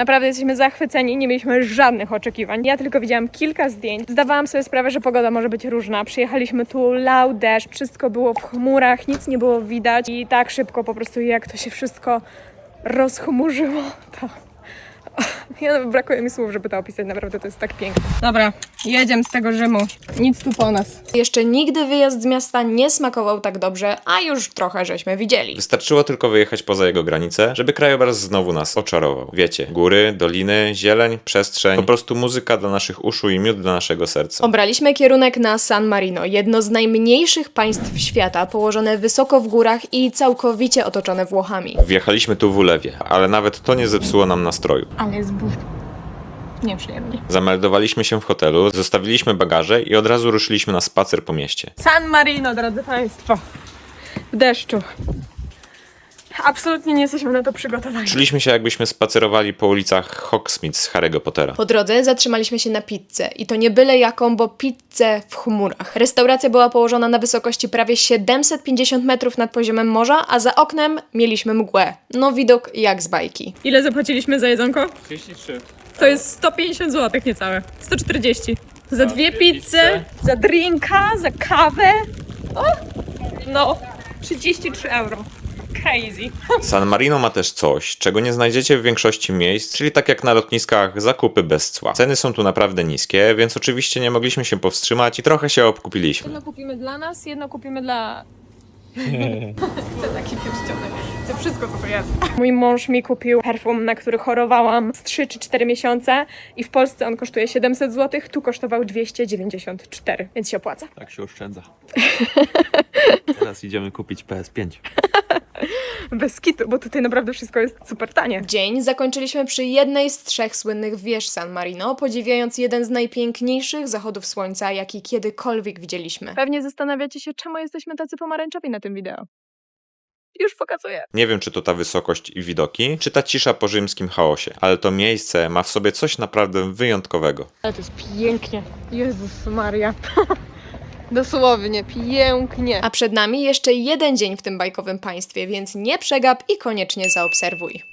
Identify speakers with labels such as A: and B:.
A: Naprawdę jesteśmy zachwyceni, nie mieliśmy żadnych oczekiwań. Ja tylko widziałam kilka zdjęć. Zdawałam sobie sprawę, że pogoda może być różna. Przyjechaliśmy tu, lał deszcz, wszystko było w chmurach, nic nie było widać i tak szybko po prostu jak to się wszystko rozchmurzyło, to... Brakuje mi słów, żeby to opisać, naprawdę to jest tak piękne. Dobra, jedziemy z tego Rzymu. Nic tu po nas. Jeszcze nigdy wyjazd z miasta nie smakował tak dobrze, a już trochę żeśmy widzieli.
B: Wystarczyło tylko wyjechać poza jego granice, żeby krajobraz znowu nas oczarował. Wiecie, góry, doliny, zieleń, przestrzeń, po prostu muzyka dla naszych uszu i miód dla naszego serca.
A: Obraliśmy kierunek na San Marino, jedno z najmniejszych państw świata, położone wysoko w górach i całkowicie otoczone Włochami.
B: Wjechaliśmy tu w ulewie, ale nawet to nie zepsuło nam nastroju.
A: Ale jest nieprzyjemnie.
B: Zameldowaliśmy się w hotelu, zostawiliśmy bagaże i od razu ruszyliśmy na spacer po mieście.
A: San Marino, drodzy Państwo. W deszczu. Absolutnie nie jesteśmy na to przygotowani.
B: Czuliśmy się, jakbyśmy spacerowali po ulicach Hogsmeade z Harry'ego Pottera.
A: Po drodze zatrzymaliśmy się na pizzę i to nie byle jaką, bo pizzę w chmurach. Restauracja była położona na wysokości prawie 750 metrów nad poziomem morza, a za oknem mieliśmy mgłę. No widok jak z bajki. Ile zapłaciliśmy za jedzonko?
C: 33.
A: To jest 150 zł niecałe. 140. Za dwie pizze, za drinka, za kawę. O! No, 33 euro. Crazy.
B: San Marino ma też coś, czego nie znajdziecie w większości miejsc, czyli tak jak na lotniskach, zakupy bez cła. Ceny są tu naprawdę niskie, więc oczywiście nie mogliśmy się powstrzymać i trochę się obkupiliśmy.
A: Jedno kupimy dla nas, jedno kupimy dla... Chcę taki pierścionek. Chcę wszystko, co to jest. Mój mąż mi kupił perfum, na który chorowałam z 3 czy 4 miesiące i w Polsce on kosztuje 700 zł, tu kosztował 294, więc się opłaca.
C: Tak się oszczędza. Teraz idziemy kupić PS5.
A: Bez kitu, bo tutaj naprawdę wszystko jest super tanie. Dzień zakończyliśmy przy jednej z 3 słynnych wież San Marino, podziwiając jeden z najpiękniejszych zachodów słońca, jaki kiedykolwiek widzieliśmy. Pewnie zastanawiacie się, czemu jesteśmy tacy pomarańczowi na tym wideo. Już pokazuję.
B: Nie wiem, czy to ta wysokość i widoki, czy ta cisza po rzymskim chaosie, ale to miejsce ma w sobie coś naprawdę wyjątkowego.
A: Ale to jest pięknie. Jezus Maria. Dosłownie, pięknie. A przed nami jeszcze jeden dzień w tym bajkowym państwie, więc nie przegap i koniecznie zaobserwuj.